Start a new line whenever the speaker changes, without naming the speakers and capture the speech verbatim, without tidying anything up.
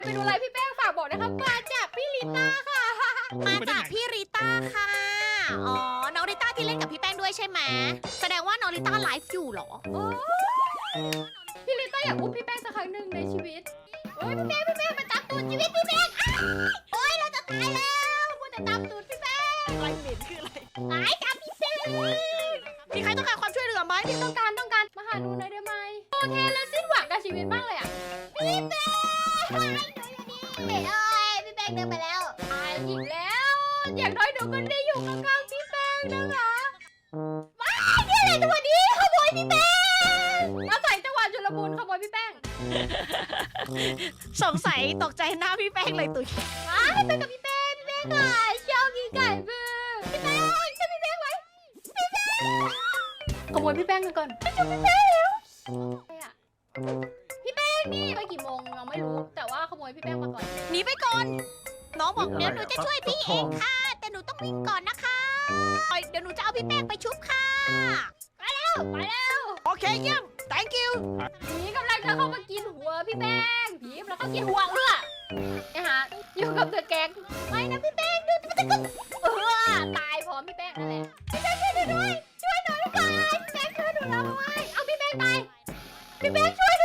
ไปดูอะไรพี่แป้งฝากบอกนะครับมาจากพี่ลิต้าค่ะ
มาจากพี่ริต้าค่ะ อ๋อ น้องริต้าที่เล่นกับพี่แป้งด้วยใช่ไหมแสดงว่าน้องริต้าไลฟ์อยู่เหรอ
โอ้พี่ลิต้าอยากอุ้มพี่แป้งสักครั้งหนึ่งในชีวิตโอ้ยพี่แป้งพี่แป้งมาจับตูดชีวิตพี่แป้งอ้าวโอ้ยเราจะตายแล้วมัวแต่จับตูดพี่แป้ง
อะไรเหม็นคืออะไร
ตายจับพี่แป้ง
มีใครต้องการความช่วยเหลือไหม
ต้องการต้องการมาหาหนูหน่อยได้ไหมโอเคแล้วสิ้นหวังกับชีวิตมากเลยอ่ะพี่แป้งหนูอยู่นี่เอ้ยพี่แป้งเดินไปแล้วตายอีกแล้ว อย่างน้อยหนูก็ได้อยู่ข้างๆพี่แป้งนะคะว้ายนี่อะไรตัวนี้ขโมยพี่แป้งอาศัยจังหวะชุลมุนขโมยพี่แป้ง
สงสัยตกใจหน้าพี่แป้งเลยตุ๋ย
ว้ายไปกับพี่แป้งพี่แป้งค่ะชอบกินไก่เบื่อพี่แป้งช่วยพี่แป้งไว้พี่แป้งขโมยพี่แป้งกันก่อนไปจับพี่แป้งแล้วอะไรอะพี่แป้งนี่ไปกี่โมงเราไม่รู้แต่ว่าขโมยพี่แป้งมาก่อน
หนีไปก่อน น้องบอกเดี๋ยวหนูจะช่วยพี่เองค่ะ แต่หนูต้องวิ่งก่อนนะคะเดี๋ยวหนูจะเอาพี่แป้งไปชุบค่ะ
ไปแล้วไปแล้ว
โอเคเยี่ยม thank you
ผีกำลังจะเข้ามากินหัวพี่แป้งผีกำลังเข้ากินหัวเอื้อนะฮะอยู่กับเดอะแก๊งไม่นะพี่แป้งดูมันจะกึ๊กเออตายพร้อมพี่แป้งนั่นแหละพี่แป้งช่วยหนูด้วยช่วยหนูด้วยพี่แป้งช่วยหนูแล้วไว้เอาพี่แป้งตายพี่แป้งช่วยห